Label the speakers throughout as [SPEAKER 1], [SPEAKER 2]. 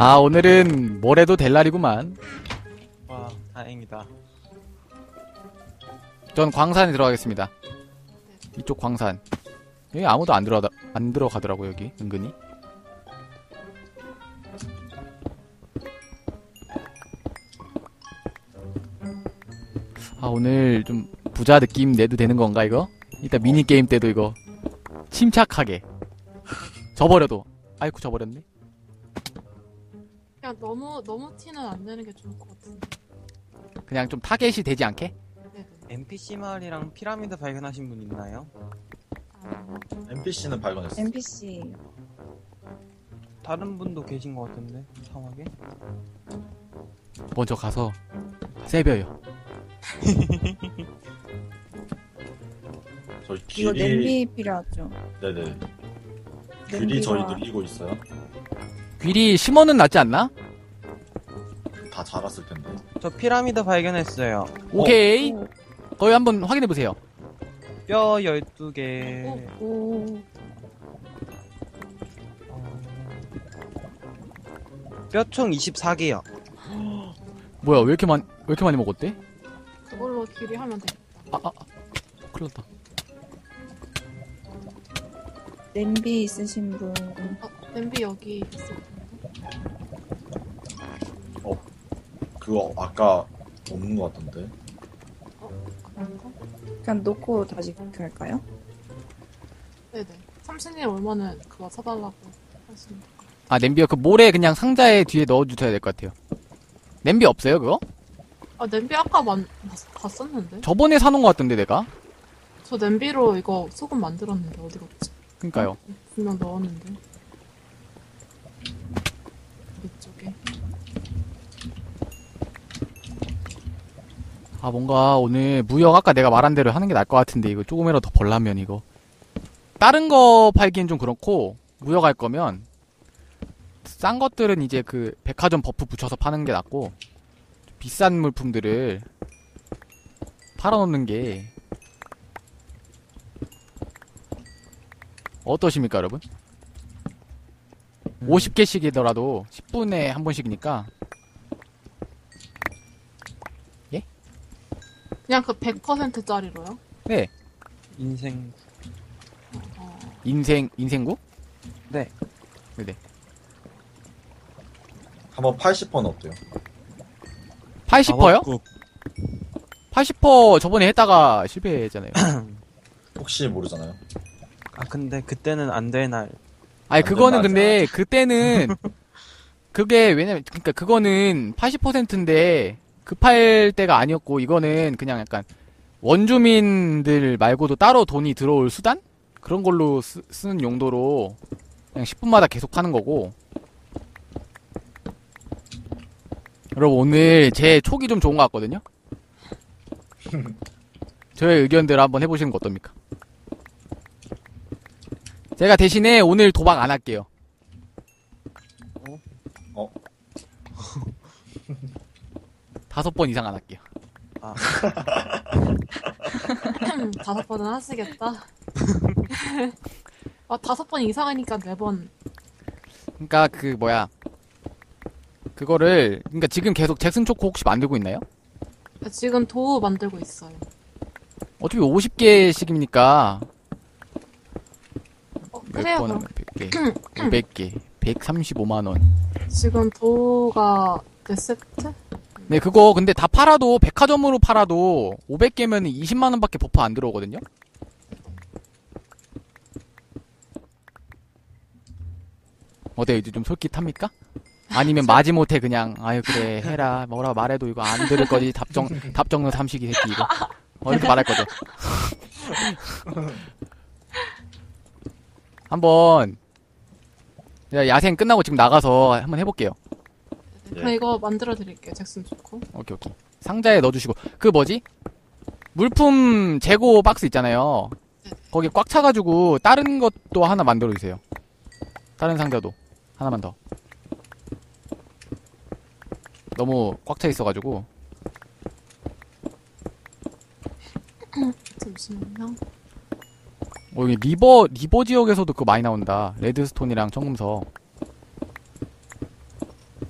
[SPEAKER 1] 아, 오늘은 뭘 해도 될 날이구만.
[SPEAKER 2] 와, 다행이다.
[SPEAKER 1] 전 광산에 들어가겠습니다. 이쪽 광산. 여기 아무도 안 들어가더라고, 여기, 은근히. 아, 오늘 좀 부자 느낌 내도 되는 건가, 이거? 이따 미니게임 때도 이거. 침착하게. 져버려도. 아이쿠, 져버렸네.
[SPEAKER 3] 그냥 너무 티는 안 내는 게 좋을 것 같은데.
[SPEAKER 1] 그냥 좀 타겟이 되지 않게?
[SPEAKER 3] 네네.
[SPEAKER 2] NPC 마을이랑 피라미드 발견하신 분 있나요?
[SPEAKER 4] NPC는 발견했어.
[SPEAKER 5] NPC.
[SPEAKER 2] 다른 분도 계신 것 같은데, 이상하게.
[SPEAKER 1] 먼저 가서, 세벼요.
[SPEAKER 4] 저희
[SPEAKER 5] 이거
[SPEAKER 4] 길이
[SPEAKER 5] 냄비 필요하죠.
[SPEAKER 4] 네네. 길이 저희 늘리고 있어요.
[SPEAKER 1] 귀리 심어는 낫지 않나?
[SPEAKER 4] 다 자랐을 텐데.
[SPEAKER 2] 저 피라미드 발견했어요.
[SPEAKER 1] 오케이.
[SPEAKER 5] 오,
[SPEAKER 1] 거기 한번 확인해보세요.
[SPEAKER 2] 뼈 12개.
[SPEAKER 5] 오.
[SPEAKER 2] 뼈총 24개요.
[SPEAKER 1] 뭐야, 왜 이렇게 많이 먹었대?
[SPEAKER 3] 그걸로 길이 하면 돼.
[SPEAKER 1] 큰일 났다.
[SPEAKER 5] 냄비 있으신 분.
[SPEAKER 3] 냄비 여기 있어.
[SPEAKER 4] 그거 아까 없는 것 같던데.
[SPEAKER 3] 그런가?
[SPEAKER 5] 그냥 놓고 다시 할까요?
[SPEAKER 3] 네네. 삼신이 오면은 그거 사달라고 하시면.
[SPEAKER 1] 아, 냄비요? 그 모래 그냥 상자에 뒤에 넣어주셔야 될 것 같아요. 냄비 없어요, 그거?
[SPEAKER 3] 아, 냄비 아까 봤었는데?
[SPEAKER 1] 저번에 사놓은 것 같던데, 내가?
[SPEAKER 3] 저 냄비로 이거 소금 만들었는데 어디 갔지?
[SPEAKER 1] 그니까요.
[SPEAKER 3] 분명 넣었는데. 이쪽에.
[SPEAKER 1] 아, 뭔가 오늘 무역 아까 내가 말한 대로 하는 게 나을 것 같은데, 이거 조금이라도 더 벌라면 이거. 다른 거 팔기엔 좀 그렇고, 무역 할 거면, 싼 것들은 이제 그 백화점 버프 붙여서 파는 게 낫고, 비싼 물품들을 팔아놓는 게, 어떠십니까, 여러분? 50개씩이더라도 10분에 한 번씩이니까,
[SPEAKER 3] 그냥 그 100%짜리로요?
[SPEAKER 1] 네.
[SPEAKER 2] 인생.
[SPEAKER 1] 인생구?
[SPEAKER 2] 네.
[SPEAKER 1] 네네.
[SPEAKER 4] 한번 80%는 어때요?
[SPEAKER 1] 80%요? 80% 저번에 했다가 실패했잖아요.
[SPEAKER 4] 혹시 모르잖아요.
[SPEAKER 2] 아, 근데 그때는 안 될 날.
[SPEAKER 1] 아니, 그거는
[SPEAKER 4] 맞아.
[SPEAKER 1] 근데, 그때는, 그게, 왜냐면, 그니까 그거는 80%인데, 급할 때가 아니었고, 이거는 그냥 약간, 원주민들 말고도 따로 돈이 들어올 수단? 그런 걸로 쓰는 용도로, 그냥 10분마다 계속 하는 거고. 여러분, 오늘 제 촉이 좀 좋은 것 같거든요? 저의 의견대로 한번 해보시는 거 어떻습니까? 제가 대신에 오늘 도박 안 할게요.
[SPEAKER 4] 어?
[SPEAKER 1] 5번 이상 안 할게요.
[SPEAKER 2] 아,
[SPEAKER 3] 5번은 하시겠다. 아, 5번 이상하니까 4번.
[SPEAKER 1] 그니까 그 뭐야, 그거를 그니까 지금 계속 잭슨 초코 혹시 만들고 있나요?
[SPEAKER 3] 지금 도우 만들고 있어요.
[SPEAKER 1] 어차피 50개씩이니까
[SPEAKER 3] 그래요,
[SPEAKER 1] 몇 번,
[SPEAKER 3] 그럼.
[SPEAKER 1] 100개, 500개, 135만원.
[SPEAKER 3] 지금 도우가 4세트?
[SPEAKER 1] 네, 그거 근데 다 팔아도, 백화점으로 팔아도 500개면 20만원밖에 버프 안 들어오거든요? 어때요? 이제 좀 솔깃합니까? 아니면 마지못해 그냥, 아유, 그래, 해라. 뭐라 말해도 이거 안 들을 거지. 답정너 삼식이 새끼, 이거. 이렇게 말할 거죠. 한번, 야생 끝나고 지금 나가서 한번 해볼게요.
[SPEAKER 3] 그럼 이거 만들어 드릴게요, 잭슨 초코.
[SPEAKER 1] 오케이. 상자에 넣어주시고. 그 뭐지? 물품 재고 박스 있잖아요. 거기 꽉 차가지고, 다른 것도 하나 만들어주세요. 다른 상자도. 하나만 더. 너무 꽉 차 있어가지고.
[SPEAKER 3] 잠시만요.
[SPEAKER 1] 여기 리버 지역에서도 그거 많이 나온다. 레드스톤이랑 청금석.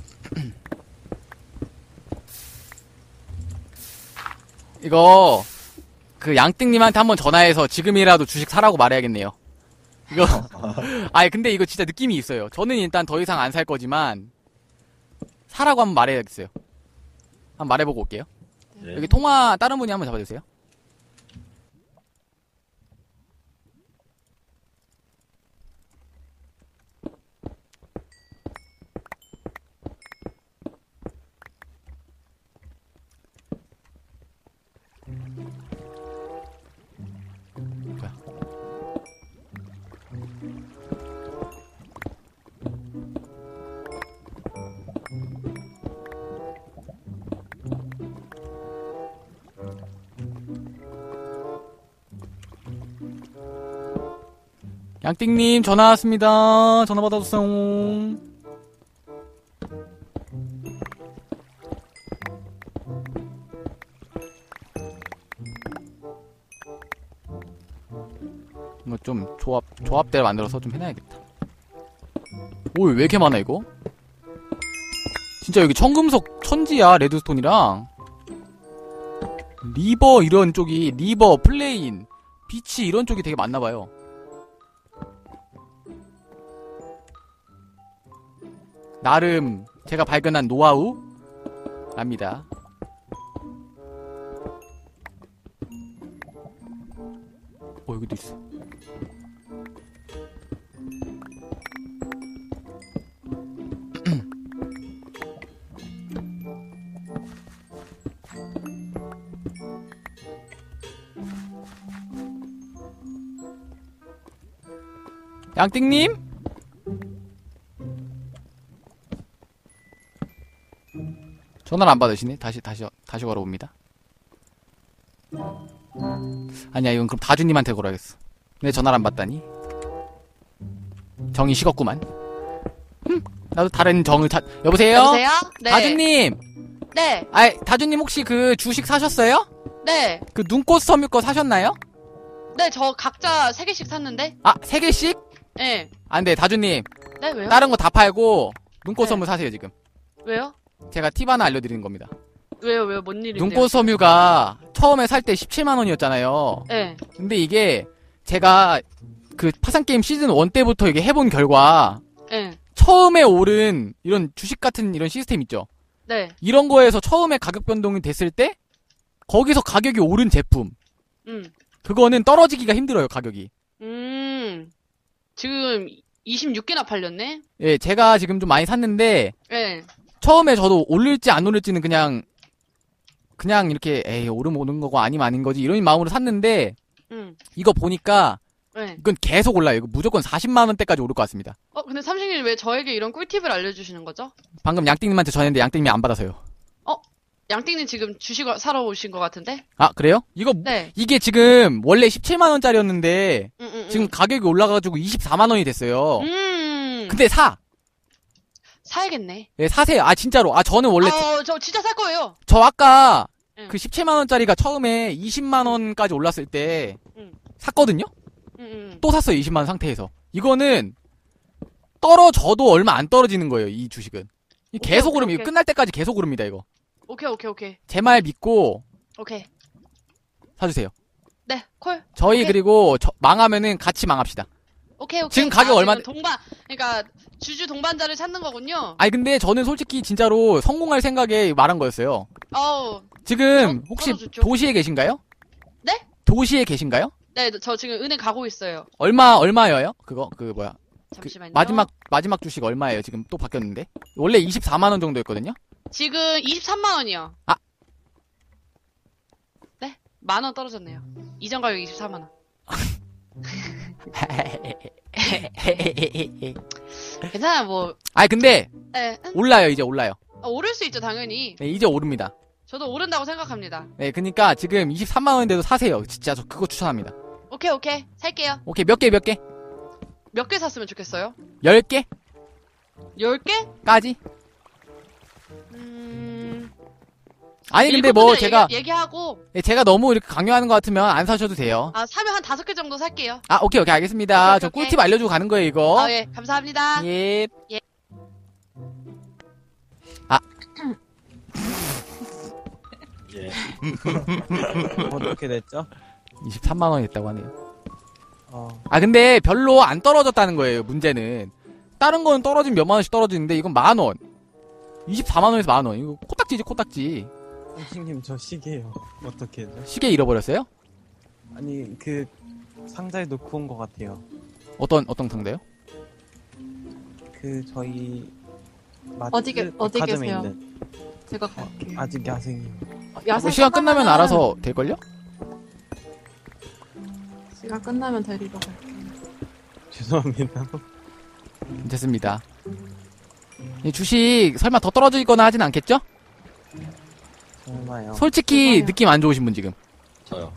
[SPEAKER 1] 이거 그 양띵님한테 한번 전화해서 지금이라도 주식 사라고 말해야겠네요. 이거 아니 근데 이거 진짜 느낌이 있어요. 저는 일단 더 이상 안 살 거지만 사라고 한번 말해야겠어요. 한번 말해보고 올게요.
[SPEAKER 4] 네.
[SPEAKER 1] 여기 통화 다른 분이 한번 잡아주세요. 자. 양띵님 전화 왔습니다. 전화 받아주세요. 이거 좀 조합대로 만들어서 좀 해놔야겠다. 오, 왜 이렇게 많아 이거? 진짜 여기 청금속 천지야. 레드스톤이랑 리버 이런 쪽이 리버 플레인 비치 이런 쪽이 되게 많나봐요. 나름 제가 발견한 노하우랍니다. 여기도 있어. 양띵님? 전화를 안 받으시네. 다시 걸어봅니다. 아니야, 이건 그럼 다주님한테 걸어야겠어. 내 전화를 안 받다니. 정이 식었구만. 나도 다른 정을 여보세요?
[SPEAKER 6] 여보세요? 네.
[SPEAKER 1] 다주님!
[SPEAKER 6] 네.
[SPEAKER 1] 아이, 다주님 혹시 그 주식 사셨어요?
[SPEAKER 6] 네.
[SPEAKER 1] 그 눈꽃 섬유 거 사셨나요?
[SPEAKER 6] 네, 저 각자 3개씩 샀는데?
[SPEAKER 1] 아, 3개씩?
[SPEAKER 6] 네.
[SPEAKER 1] 안 돼, 다주님.
[SPEAKER 6] 네, 왜요?
[SPEAKER 1] 다른 거 다 팔고 눈꽃
[SPEAKER 6] 네.
[SPEAKER 1] 섬유 사세요, 지금.
[SPEAKER 6] 왜요?
[SPEAKER 1] 제가 팁 하나 알려드리는 겁니다.
[SPEAKER 6] 왜요? 뭔 일인데요?
[SPEAKER 1] 눈꽃 섬유가 처음에 살 때 17만원이었잖아요.
[SPEAKER 6] 네.
[SPEAKER 1] 근데 이게 제가 그 파산게임 시즌 1 때부터 이게 해본 결과
[SPEAKER 6] 네.
[SPEAKER 1] 처음에 오른 이런 주식 같은 이런 시스템 있죠?
[SPEAKER 6] 네.
[SPEAKER 1] 이런 거에서 처음에 가격 변동이 됐을 때 거기서 가격이 오른 제품 그거는 떨어지기가 힘들어요, 가격이.
[SPEAKER 6] 지금 26개나 팔렸네?
[SPEAKER 1] 예, 제가 지금 좀 많이 샀는데
[SPEAKER 6] 네.
[SPEAKER 1] 처음에 저도 오를지 안 오를지는 그냥 이렇게 에이 오르면 오는 거고 아니면 아닌 거지 이런 마음으로 샀는데 이거 보니까
[SPEAKER 6] 네.
[SPEAKER 1] 이건 계속 올라요. 이거 무조건 40만 원대까지 오를 것 같습니다.
[SPEAKER 6] 근데 삼식님 왜 저에게 이런 꿀팁을 알려주시는 거죠?
[SPEAKER 1] 방금 양띵님한테 전했는데 양띵님이 안 받아서요.
[SPEAKER 6] 양띵님 지금 주식을 사러 오신 것 같은데?
[SPEAKER 1] 아, 그래요?
[SPEAKER 6] 네.
[SPEAKER 1] 이게 지금 원래 17만 원짜리였는데 지금
[SPEAKER 6] 음.
[SPEAKER 1] 가격이 올라가가지고 24만 원이 됐어요.
[SPEAKER 6] 음.
[SPEAKER 1] 근데
[SPEAKER 6] 사야겠네.
[SPEAKER 1] 예, 사세요. 아, 진짜로. 아, 저는 원래
[SPEAKER 6] 저 진짜 살 거예요.
[SPEAKER 1] 저 아까
[SPEAKER 6] 응.
[SPEAKER 1] 그 17만 원짜리가 처음에 20만 원까지 올랐을 때
[SPEAKER 6] 응.
[SPEAKER 1] 샀거든요?
[SPEAKER 6] 응.
[SPEAKER 1] 또 샀어요. 20만 원 상태에서. 이거는 떨어져도 얼마 안 떨어지는 거예요. 이 주식은. 계속
[SPEAKER 6] 오케이,
[SPEAKER 1] 오릅니다.
[SPEAKER 6] 오케이.
[SPEAKER 1] 끝날 때까지 계속 오릅니다. 이거.
[SPEAKER 6] 오케이.
[SPEAKER 1] 제 말 믿고
[SPEAKER 6] 오케이.
[SPEAKER 1] 사주세요.
[SPEAKER 6] 네, 콜.
[SPEAKER 1] 저희
[SPEAKER 6] 오케이.
[SPEAKER 1] 그리고 망하면은 같이 망합시다.
[SPEAKER 6] 오케이.
[SPEAKER 1] 지금 가격 얼마-
[SPEAKER 6] 지금 그러니까 주주 동반자를 찾는 거군요.
[SPEAKER 1] 아니 근데 저는 솔직히 진짜로 성공할 생각에 말한 거였어요. 지금 혹시
[SPEAKER 6] 좋죠.
[SPEAKER 1] 도시에 계신가요?
[SPEAKER 6] 네?
[SPEAKER 1] 도시에 계신가요?
[SPEAKER 6] 네, 저 지금 은행 가고 있어요.
[SPEAKER 1] 얼마예요? 그거 뭐야?
[SPEAKER 6] 잠시만요.
[SPEAKER 1] 마지막 주식 얼마예요? 지금 또 바뀌었는데. 원래 24만 원 정도였거든요.
[SPEAKER 6] 지금 23만 원이요.
[SPEAKER 1] 아.
[SPEAKER 6] 네? 10,000원 떨어졌네요. 이전 가격 24만 원. 괜찮아, 뭐.
[SPEAKER 1] 아니 근데
[SPEAKER 6] 네.
[SPEAKER 1] 올라요. 이제 올라요.
[SPEAKER 6] 오를 수 있죠, 당연히.
[SPEAKER 1] 네, 이제 오릅니다.
[SPEAKER 6] 저도 오른다고 생각합니다.
[SPEAKER 1] 네, 그러니까 지금 23만 원인데도 사세요. 진짜 저 그거 추천합니다.
[SPEAKER 6] 오케이. 살게요.
[SPEAKER 1] 오케이, 몇 개?
[SPEAKER 6] 몇 개 샀으면 좋겠어요?
[SPEAKER 1] 10개?
[SPEAKER 6] 10개?
[SPEAKER 1] 까지? 아니 근데 뭐 제가
[SPEAKER 6] 얘기하고
[SPEAKER 1] 제가 너무 이렇게 강요하는 것 같으면 안 사셔도 돼요.
[SPEAKER 6] 사면 한 5개 정도 살게요.
[SPEAKER 1] 아, 오케이, 알겠습니다.
[SPEAKER 6] 오케이,
[SPEAKER 1] 저
[SPEAKER 6] 오케이.
[SPEAKER 1] 꿀팁 알려주고 가는 거예요, 이거.
[SPEAKER 6] 예, 감사합니다.
[SPEAKER 1] 예.
[SPEAKER 6] 예.
[SPEAKER 1] 아.
[SPEAKER 4] 예.
[SPEAKER 2] 어떻게 됐죠?
[SPEAKER 1] 23만 원이 됐다고 하네요.
[SPEAKER 2] 어,
[SPEAKER 1] 아 근데 별로 안 떨어졌다는 거예요. 문제는 다른 거는 떨어지면 몇만 원씩 떨어지는데 이건 만 원. 24만 원에서 만 원. 이거 코딱지지 코딱지.
[SPEAKER 2] 선생님 저 시계요. 어떻게 해죠?
[SPEAKER 1] 시계 잃어버렸어요?
[SPEAKER 2] 아니 그 상자에 놓고 온 것 같아요.
[SPEAKER 1] 어떤 상대요?
[SPEAKER 2] 그 저희 마트
[SPEAKER 3] 어디
[SPEAKER 2] 백화점에
[SPEAKER 3] 계세요?
[SPEAKER 2] 있는
[SPEAKER 3] 제가 갈게요.
[SPEAKER 2] 아직 야생이요.
[SPEAKER 3] 야생
[SPEAKER 1] 시간 끝나면 알아서 될걸요?
[SPEAKER 3] 시간 끝나면 데리러 갈게요.
[SPEAKER 2] 죄송합니다.
[SPEAKER 1] 됐습니다. 이 주식 설마 더 떨어지거나 하진 않겠죠?
[SPEAKER 2] 정말요.
[SPEAKER 1] 솔직히
[SPEAKER 3] 대박이야.
[SPEAKER 1] 느낌 안 좋으신 분 지금.
[SPEAKER 4] 저요.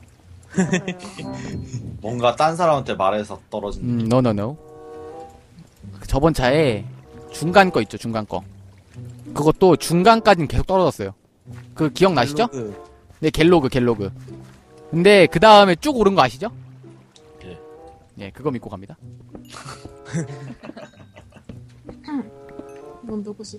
[SPEAKER 4] 뭔가 딴 사람한테 말해서 떨어진.
[SPEAKER 1] no. 저번 차에 중간 거 있죠, 중간 거. 그것도 중간까지는 계속 떨어졌어요. 그 기억나시죠?
[SPEAKER 2] 갤로그.
[SPEAKER 1] 네, 갤로그. 근데 그 다음에 쭉 오른 거 아시죠?
[SPEAKER 4] 예.
[SPEAKER 1] 예, 그거 믿고 갑니다.
[SPEAKER 3] 이건 누구시지?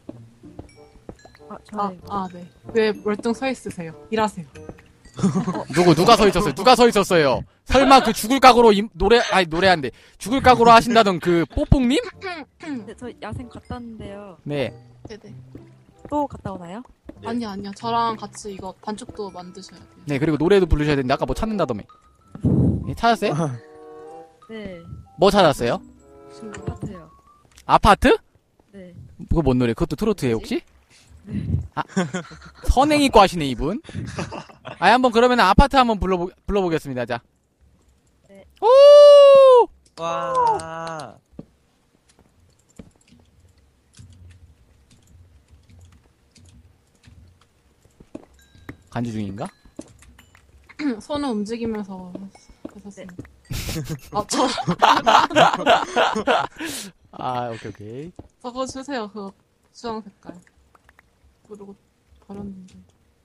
[SPEAKER 5] 저는
[SPEAKER 3] 네. 왜 멀뚱 서 있으세요? 일하세요.
[SPEAKER 1] 누가 서 있었어요? 누가 서 있었어요? 설마 그 죽을 각오로 노래한데 죽을 각오로 하신다던 그 뽀뽕님?
[SPEAKER 7] 네, 저 야생 갔다 왔는데요.
[SPEAKER 1] 네.
[SPEAKER 3] 네네.
[SPEAKER 7] 또 갔다 오나요?
[SPEAKER 4] 네.
[SPEAKER 3] 아니요. 저랑 같이 이거 반죽도 만드셔야 돼요.
[SPEAKER 1] 네, 그리고 노래도 부르셔야 되는데 아까 뭐 찾는다더며. 예, 찾았어요?
[SPEAKER 7] 네,
[SPEAKER 1] 뭐 찾았어요?
[SPEAKER 7] 아파트요.
[SPEAKER 1] 아파트?
[SPEAKER 7] 네.
[SPEAKER 1] 그거 뭔 노래? 그것도 트로트예요 혹시? 아, 선행이과 하시네 이분. 아, 한번 그러면 아파트 한번 불러보겠습니다. 자.
[SPEAKER 7] 네.
[SPEAKER 1] 오!
[SPEAKER 2] 와.
[SPEAKER 1] 간주 중인가?
[SPEAKER 3] 손을 움직이면서 하셨습니다. 저
[SPEAKER 1] 아, 오케이.
[SPEAKER 3] 저거 주세요. 그 주황 색깔. 그리고 버렸는데.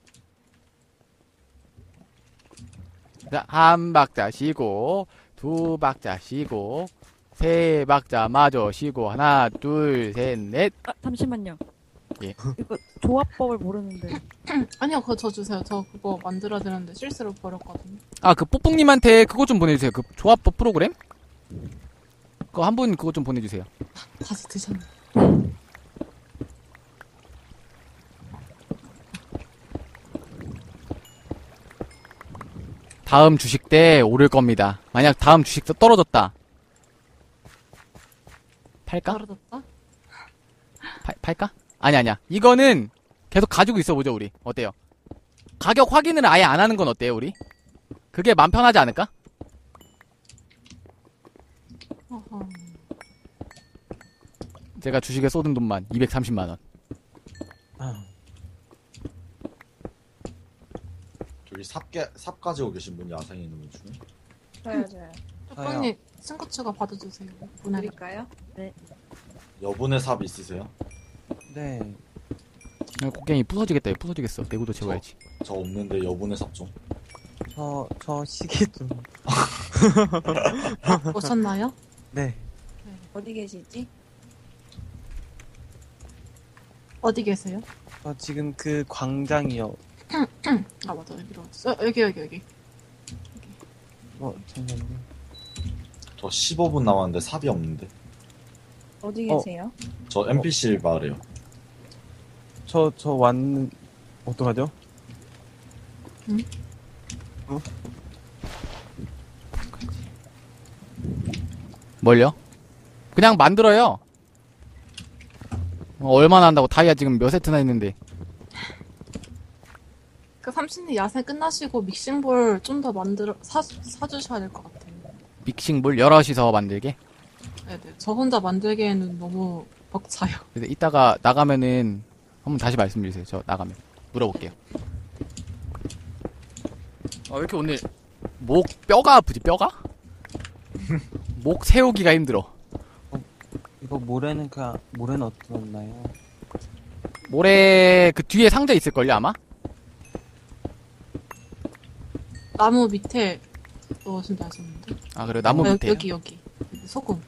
[SPEAKER 1] 자, 한 박자 쉬고, 두 박자 쉬고, 세 박자 마저 쉬고, 하나, 둘, 셋, 넷.
[SPEAKER 7] 아, 잠시만요.
[SPEAKER 1] 예.
[SPEAKER 7] 이거 조합법을 모르는데.
[SPEAKER 3] 아니요, 그거 저 주세요. 저 그거 만들어야 되는데 실수로 버렸거든요.
[SPEAKER 1] 아, 그 뽀뽕님한테 그거 좀 보내주세요. 그 조합법 프로그램? 그거 한 분 그거 좀 보내주세요.
[SPEAKER 3] 다시 드셨네.
[SPEAKER 1] 다음 주식 때 오를 겁니다. 만약 다음 주식 때 떨어졌다. 팔까?
[SPEAKER 3] 떨어졌다?
[SPEAKER 1] 팔까? 아니야. 이거는 계속 가지고 있어 보죠, 우리. 어때요? 가격 확인을 아예 안 하는 건 어때요, 우리? 그게 맘 편하지 않을까?
[SPEAKER 3] 어허.
[SPEAKER 1] 제가 주식에 쏟은 돈만 230만원.
[SPEAKER 2] 아,
[SPEAKER 4] 저기 삽 가지고 계신 분 야생에 있는 분 중에.
[SPEAKER 5] 저요.
[SPEAKER 3] 뚜껑님 친구 추가 받아주세요. 보내드릴게요.
[SPEAKER 5] 드릴까요?
[SPEAKER 4] 여분의 삽 있으세요?
[SPEAKER 2] 네.
[SPEAKER 1] 곡괭이 부서지겠다. 부서지겠어. 내구도 채워야지.
[SPEAKER 4] 저 없는데 여분의 삽 좀.
[SPEAKER 2] 저 시계 좀.
[SPEAKER 3] 오셨나요?
[SPEAKER 2] 네.
[SPEAKER 5] 어디 계시지?
[SPEAKER 3] 어디 계세요?
[SPEAKER 2] 저 지금 그 광장이요.
[SPEAKER 3] 아 맞아 여기로 왔어. 여기.
[SPEAKER 2] 잠깐만요.
[SPEAKER 4] 저 15분 남았는데 삽이 없는데.
[SPEAKER 5] 어디 계세요?
[SPEAKER 4] 저 NPC 마을이요.
[SPEAKER 2] 저 왔는 어떡하죠?
[SPEAKER 1] 뭘요? 그냥 만들어요. 얼마나 한다고 다이아 지금 몇 세트나 있는데.
[SPEAKER 3] 그 삼신이 야생 끝나시고 믹싱볼 좀 더 사주셔야 될 것 같아요.
[SPEAKER 1] 믹싱볼 여럿이서 만들게.
[SPEAKER 3] 네네. 저 혼자 만들기에는 너무 벅차요.
[SPEAKER 1] 근데 이따가 나가면은 한번 다시 말씀해주세요. 저 나가면 물어볼게요. 왜 이렇게 오늘 뼈가 아프지? 뼈가? 목 세우기가 힘들어.
[SPEAKER 2] 이거 모래는 어떻나요?
[SPEAKER 1] 모래 그 뒤에 상자 있을걸요 아마?
[SPEAKER 3] 나무 밑에 넣으신다 하셨는데.
[SPEAKER 1] 아 그래 나무 밑에.
[SPEAKER 3] 여기. 소금.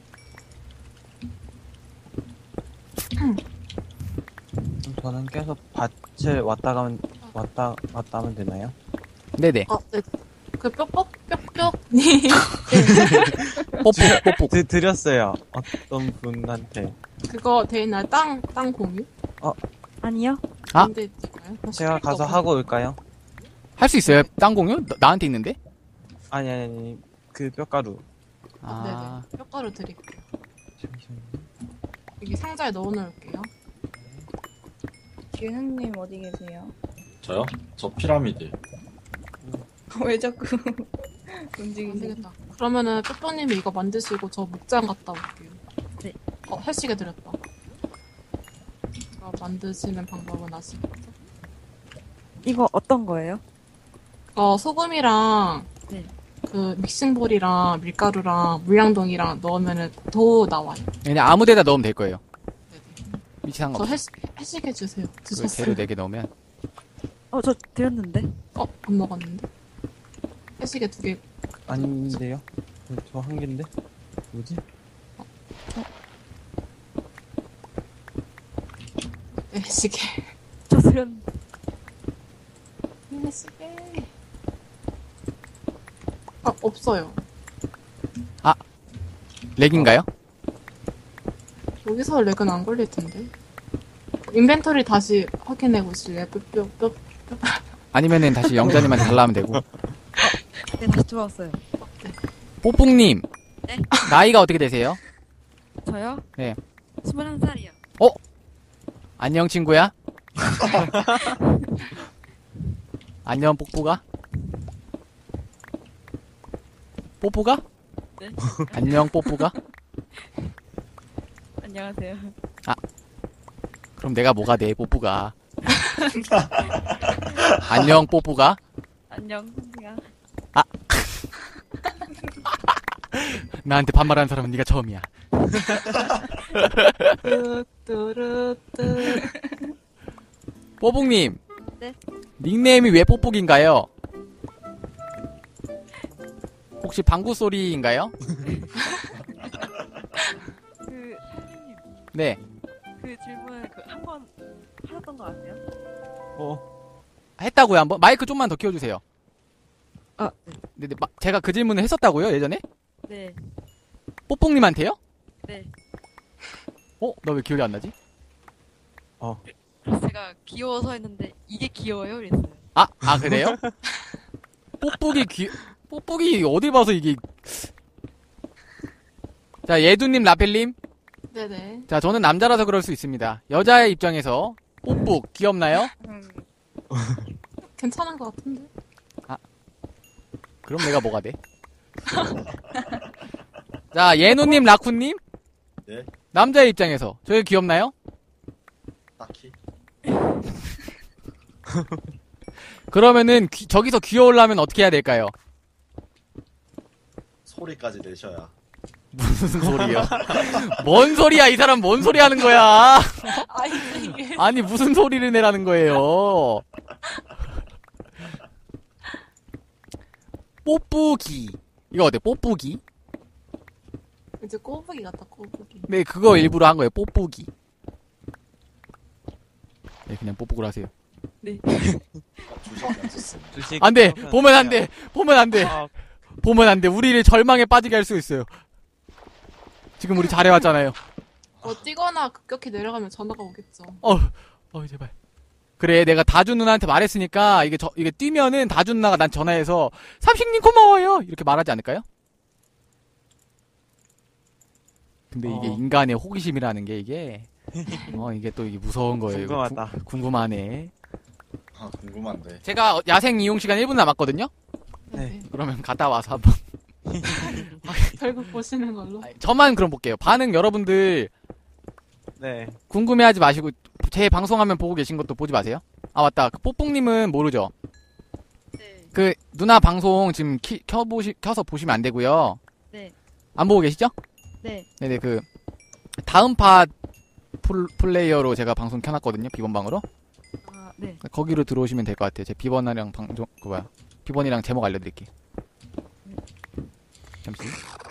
[SPEAKER 2] 저는 계속 밭을 왔다 가면 왔다 하면 되나요?
[SPEAKER 1] 네네.
[SPEAKER 3] 네. 그 뾱뾱뾱뾱님
[SPEAKER 1] 뽀뽀.
[SPEAKER 2] 드렸어요. 어떤 분한테.
[SPEAKER 3] 그거 돼 있나요? 땅 공유?
[SPEAKER 7] 아니요.
[SPEAKER 1] 아.
[SPEAKER 3] 근데 있을까요?
[SPEAKER 2] 제가 가서 하고 올까요?
[SPEAKER 1] 할 수 있어요? 땅 공유? 나한테 있는데?
[SPEAKER 2] 아니. 그 뼈가루.
[SPEAKER 1] 아.
[SPEAKER 3] 네네. 뼈가루 드릴게요.
[SPEAKER 2] 잠시만요.
[SPEAKER 3] 여기 상자에 넣어놓을게요.
[SPEAKER 5] 규현님 어디 계세요?
[SPEAKER 4] 저요? 저 피라미드.
[SPEAKER 5] 왜 자꾸
[SPEAKER 3] 안
[SPEAKER 5] 움직이세요?
[SPEAKER 3] 되겠다. 그러면은 뼈뼈님이 이거 만드시고 저 목장 갔다 올게요.
[SPEAKER 7] 네.
[SPEAKER 3] 헬시게 드렸다. 만드시는 방법은 아시겠죠?
[SPEAKER 7] 이거 어떤 거예요?
[SPEAKER 3] 소금이랑
[SPEAKER 7] 네.
[SPEAKER 3] 그 믹싱볼이랑 밀가루랑 물량동이랑 넣으면은 도 나와요.
[SPEAKER 1] 그냥 아무 데다 넣으면 될 거예요.
[SPEAKER 3] 네네.
[SPEAKER 1] 위치
[SPEAKER 3] 저
[SPEAKER 1] 상관없어.
[SPEAKER 3] 헬시게 주세요.
[SPEAKER 1] 그
[SPEAKER 3] 드셨어요?
[SPEAKER 1] 재료 4개 넣으면.
[SPEAKER 7] 저 드렸는데.
[SPEAKER 3] 안 먹었는데? 헬시게 2개.
[SPEAKER 2] 아닌데요? 저 한 개인데? 뭐지?
[SPEAKER 3] 헬시게.
[SPEAKER 7] 저 드렸는데.
[SPEAKER 3] 헬시게. 없어요.
[SPEAKER 1] 렉인가요?
[SPEAKER 3] 여기서 렉은 안 걸릴 텐데. 인벤토리 다시 확인해 보실래요? 뼈.
[SPEAKER 1] 아니면은 다시 영자님한테 달라면 되고.
[SPEAKER 7] 네, 다시 들어왔어요.
[SPEAKER 1] 뽀뽕님.
[SPEAKER 7] 네?
[SPEAKER 1] 나이가 어떻게 되세요?
[SPEAKER 7] 저요?
[SPEAKER 1] 네.
[SPEAKER 7] 21살이요.
[SPEAKER 1] 안녕, 친구야. 안녕, 뽀뽀가. 뽀뽀가?
[SPEAKER 7] 네.
[SPEAKER 1] 안녕, 뽀뽀가.
[SPEAKER 7] 안녕하세요.
[SPEAKER 1] 그럼 내가 뭐가 돼, 뽀뽀가. 안녕, 뽀뽀가.
[SPEAKER 7] 안녕, 선생아.
[SPEAKER 1] 나한테 반말하는 사람은 네가 처음이야.
[SPEAKER 3] 뚜뚜루뚜.
[SPEAKER 1] 뽀뽕님.
[SPEAKER 7] 네?
[SPEAKER 1] 닉네임이 왜 뽀뽀기인가요? 혹시 방구 소리인가요?
[SPEAKER 7] 선생님,
[SPEAKER 1] 네.
[SPEAKER 7] 그 질문 한 번 하셨던 거 아세요?
[SPEAKER 1] 했다고요, 한번? 마이크 좀만 더 키워주세요.
[SPEAKER 7] 네.
[SPEAKER 1] 네, 제가 그 질문을 했었다고요, 예전에?
[SPEAKER 7] 네.
[SPEAKER 1] 뽀뽕님한테요?
[SPEAKER 7] 네.
[SPEAKER 1] 너 왜 기억이 안 나지?
[SPEAKER 7] 그래서 제가 귀여워서 했는데 이게 귀여워요? 이랬어요.
[SPEAKER 1] 그래요? 뽀뽀기 어디 봐서 이게. 자, 예두님, 라펠님.
[SPEAKER 3] 네네.
[SPEAKER 1] 자, 저는 남자라서 그럴 수 있습니다. 여자의 입장에서 뽀뽀 귀엽나요?
[SPEAKER 3] 괜찮은 것 같은데?
[SPEAKER 1] 그럼 내가 뭐가 돼? 자, 예누님, 라쿤님.
[SPEAKER 4] 네?
[SPEAKER 1] 남자의 입장에서 저게 귀엽나요?
[SPEAKER 4] 딱히.
[SPEAKER 1] 그러면은 저기서 귀여우려면 어떻게 해야 될까요?
[SPEAKER 4] 소리까지 내셔야.
[SPEAKER 1] 무슨 소리야? 뭔 소리야? 이 사람 뭔 소리 하는 거야?
[SPEAKER 3] 이게.
[SPEAKER 1] 아니 무슨 소리를 내라는 거예요? 뽀뿌기. 이거 어때? 뽀뿌기?
[SPEAKER 3] 이제 꼬부기 같다, 꼬부기.
[SPEAKER 1] 네, 그거 일부러 한 거예요. 뽀뿌기. 네, 그냥 뽀뿌기로 하세요.
[SPEAKER 4] 주식 없었습니다.
[SPEAKER 2] 주식.
[SPEAKER 1] 안 돼! 보면 안 돼! 보면 안 돼! 보면 안 돼! 우리를 절망에 빠지게 할 수 있어요. 지금 우리 잘해왔잖아요.
[SPEAKER 3] 뛰거나 급격히 내려가면 전화가 오겠죠.
[SPEAKER 1] 제발. 그래, 내가 다주 누나한테 말했으니까, 이게 뛰면은 다주 누나가 난 전화해서, 삼식님 고마워요! 이렇게 말하지 않을까요? 근데 이게 인간의 호기심이라는 게 이게, 이게 또 이게 무서운 거예요.
[SPEAKER 2] 궁금하다.
[SPEAKER 1] 궁금하네.
[SPEAKER 4] 궁금한데.
[SPEAKER 1] 제가 야생 이용 시간 1분 남았거든요?
[SPEAKER 2] 네.
[SPEAKER 1] 그러면 갔다 와서 한번.
[SPEAKER 3] 결국 보시는 걸로.
[SPEAKER 1] 저만 그럼 볼게요. 반응 여러분들
[SPEAKER 2] 네.
[SPEAKER 1] 궁금해하지 마시고, 제 방송하면 보고 계신 것도 보지 마세요. 맞다. 그 뽀뽕님은 모르죠?
[SPEAKER 7] 네.
[SPEAKER 1] 그, 누나 방송 지금 켜서 보시면 안 되고요.
[SPEAKER 7] 네.
[SPEAKER 1] 안 보고 계시죠?
[SPEAKER 7] 네.
[SPEAKER 1] 네네, 다음 팟 플레이어로 제가 방송 켜놨거든요. 비번방으로.
[SPEAKER 7] 네.
[SPEAKER 1] 거기로 들어오시면 될 것 같아요. 제 비번이랑 비번이랑 제목 알려드릴게요. 잠시.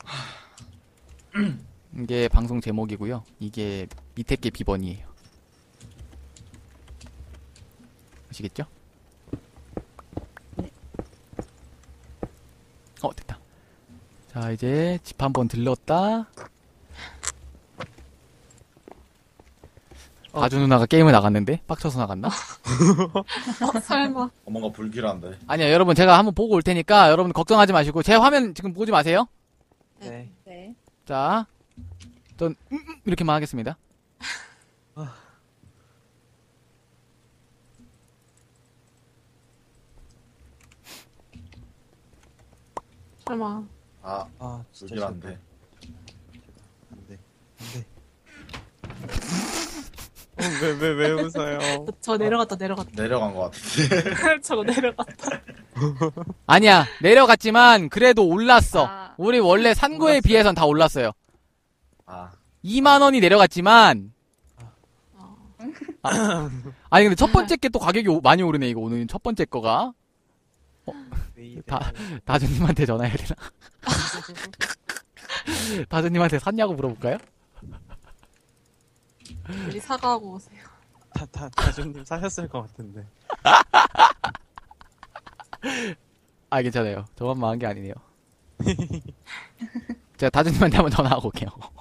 [SPEAKER 1] 이게 방송 제목이고요. 이게 밑에 게 비번이에요. 아시겠죠? 자, 이제 집 한번 들렀다. 다주 누나가 게임을 나갔는데? 빡쳐서 나갔나?
[SPEAKER 3] 설마.
[SPEAKER 4] 뭔가 불길한데.
[SPEAKER 1] 아니야, 여러분 제가 한번 보고 올 테니까 여러분 걱정하지 마시고 제 화면 지금 보지 마세요.
[SPEAKER 2] 네.
[SPEAKER 5] 네.
[SPEAKER 1] 자, 전 이렇게만 하겠습니다.
[SPEAKER 3] 설마.
[SPEAKER 4] 아,
[SPEAKER 2] 아, 진짜
[SPEAKER 4] 불길한데.
[SPEAKER 2] 안 돼. 안 돼. 왜 웃어요?
[SPEAKER 3] 저 내려갔다.
[SPEAKER 4] 내려간 것 같은데.
[SPEAKER 3] 저거 내려갔다.
[SPEAKER 1] 아니야, 내려갔지만 그래도 올랐어.
[SPEAKER 5] 아.
[SPEAKER 1] 우리 원래 산 거에 비해선 다 올랐어요.
[SPEAKER 4] 아,
[SPEAKER 1] 2만 원이 내려갔지만
[SPEAKER 3] 어.
[SPEAKER 1] 아니 근데 첫 번째 게 또 가격이 많이 오르네 이거 오늘 첫 번째 거가.
[SPEAKER 2] 왜 이래?
[SPEAKER 1] 다주님한테 전화해야 되나? 다주님한테 샀냐고 물어볼까요?
[SPEAKER 3] 빨리 사과하고 오세요.
[SPEAKER 2] 다준님 사셨을 것 같은데.
[SPEAKER 1] 아 괜찮아요. 저만 망한 게 아니네요. 제가 다주님한테 한번 전화하고 올게요.